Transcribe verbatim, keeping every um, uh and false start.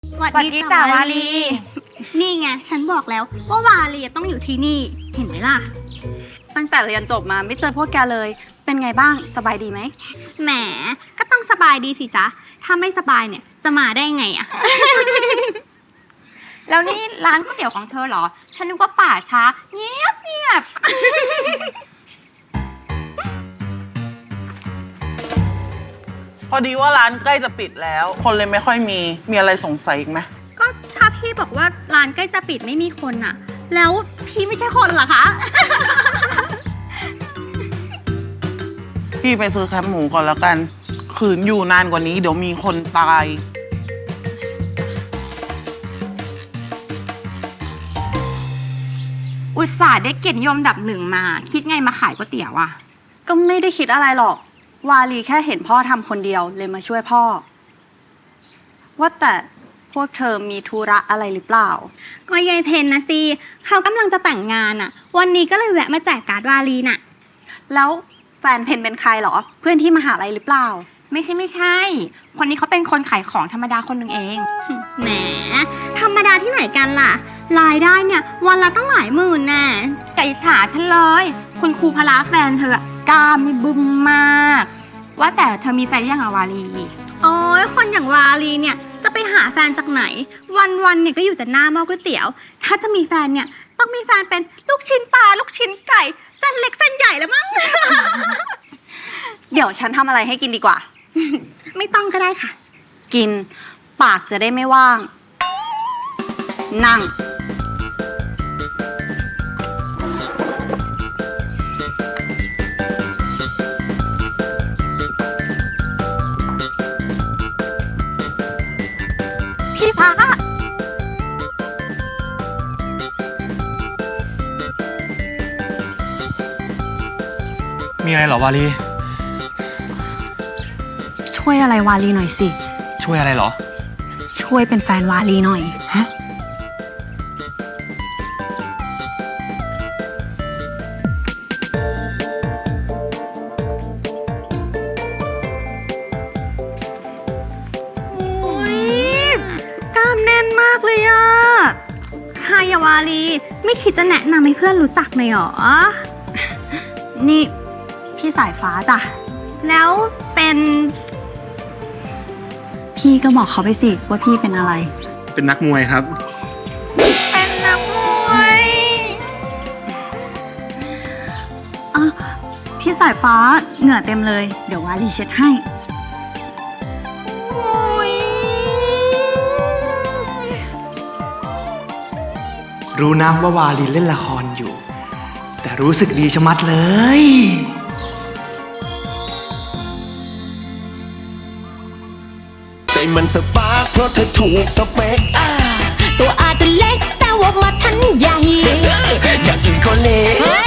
สวัสดีจ้าวาลีนี่ไงฉันบอกแล้วว่าวาลีต้องอยู่ที่นี่เห็นไหมล่ะตั้งแต่เรียนจบมาไม่เจอพวกแกเลยเป็นไงบ้างสบายดีไหมแหมก็ต้องสบายดีสิจ๊ะถ้าไม่สบายเนี่ยจะมาได้ไงอะแล้วนี่ร้านก๋วยเตี๋ยวของเธอเหรอฉันนึกว่าป่าช้าเงียบเงียบพอดีว่าร้านใกล้จะปิดแล้ว คนเลยไม่ค่อยมีมีอะไรสงสัยอีกไหมก็ถ้าพี่บอกว่าร้านใกล้จะปิดไม่มีคนอะแล้วพี่ไม่ใช่คนเหรอคะพี่ไปซื้อแคบหมูก่อนแล้วกันขืนอยู่นานกว่านี้เดี๋ยวมีคนตายอุตส่าห์ได้เกียรตินิยมอันดับหนึ่งมาคิดไงมาขายก๋วยเตี๋ยวอ่ะก็ไม่ได้คิดอะไรหรอกวาลีแค่เห็นพ่อทำคนเดียวเลยมาช่วยพ่อว่าแต่พวกเธอมีธุระอะไรหรือเปล่าก็ยายเพนนะสิเขากำลังจะแต่งงานอะวันนี้ก็เลยแวะมาแจกการ์ดวาลีน่ะแล้วแฟนเพนเป็นใครหรอเพื่อนที่มหาลัยหรือเปล่าไม่ใช่ไม่ใช่คนนี้เขาเป็นคนขายของธรรมดาคนหนึ่งเองแหมธรรมดาที่ไหนกันล่ะรายได้เนี่ยวันละตั้งหลายหมื่นแน่ไก่ฉาฉันเลยคุณครูพละแฟนเธอกล้ามนี่บึ้มมากว่าแต่เธอมีแฟนยังอะวาลีโอ้ยคนอย่างวาลีเนี่ยจะไปหาแฟนจากไหนวันๆเนี่ยก็อยู่แต่หน้าหม้อก๋วยเตี๋ยวถ้าจะมีแฟนเนี่ยต้องมีแฟนเป็นลูกชิ้นปลาลูกชิ้นไก่เส้นเล็กเส้นใหญ่แล้วมั้งเดี๋ยวฉันทำอะไรให้กินดีกว่าไม่ต้องก็ได้ค่ะกินปากจะได้ไม่ว่างนั่งพี่ฟ้ามีอะไรเหรอวาลีช่วยอะไรวาลีหน่อยสิช่วยอะไรเหรอช่วยเป็นแฟนวาลีหน่อยฮะโอ้ยกล้ามแน่นมากเลยอะใครอะวาลีไม่คิดจะแนะนำให้เพื่อนรู้จักหน่อยหรอนี่พี่สายฟ้าจ้ะแล้วเป็นพี่ก็บอกเขาไปสิว่าพี่เป็นอะไรเป็นนักมวยครับเป็นนักมวยอ่ะพี่สายฟ้าเหงื่อเต็มเลยเดี๋ยววาลีเช็ดให้รู้นะว่าวาลีเล่นละครอยู่แต่รู้สึกดีชะมัดเลยใจมันสปาร์คเพราะเธอถูกสเปคตัวอาจจะเล็กแต่ว่ามาทันใหญ่อย่างอื่นก็เล็ก